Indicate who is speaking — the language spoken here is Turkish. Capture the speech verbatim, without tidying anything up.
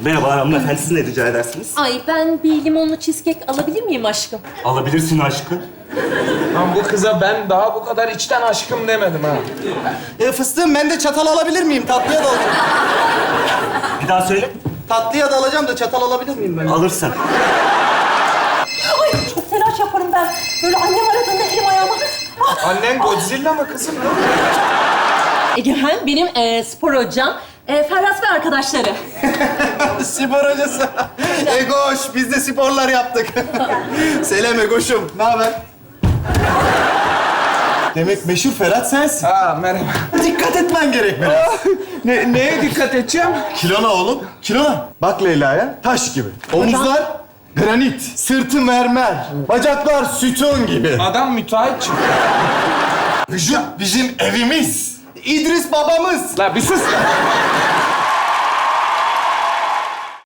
Speaker 1: Merhaba hanımefendi, siz ne rica edersiniz?
Speaker 2: Ay ben bir limonlu cheesecake alabilir miyim aşkım?
Speaker 1: Alabilirsin aşkım.
Speaker 3: Lan bu kıza ben daha bu kadar içten aşkım demedim ha.
Speaker 4: E, fıstığım ben de çatal alabilir miyim? Tatlıya da alacağım.
Speaker 1: Bir daha söyle.
Speaker 4: Tatlıya da alacağım da çatal alabilir miyim ben?
Speaker 1: Alırsın.
Speaker 2: Ay çok telaş yaparım ben. Böyle annem aradığında elim ayağıma... Ah,
Speaker 3: Annen Godzilla mı kızım?
Speaker 2: Egemen benim e, spor hocam. E, Ferhat ve arkadaşları.
Speaker 4: Spor hocası. Egoş, biz de sporlar yaptık. Selam Egoş'um, ne haber? Demek meşhur Ferhat sensin.
Speaker 3: Aa merhaba.
Speaker 4: Dikkat etmen gerek biraz.
Speaker 3: Ne, neye dikkat edeceğim?
Speaker 4: Kilona oğlum, kilona. Bak Leyla'ya, taş gibi. Omuzlar granit, sırtı mermer, bacaklar sütun gibi.
Speaker 3: Adam müteahhit çıktı.
Speaker 4: Vücut bizim evimiz. İdris babamız.
Speaker 3: La bir sus.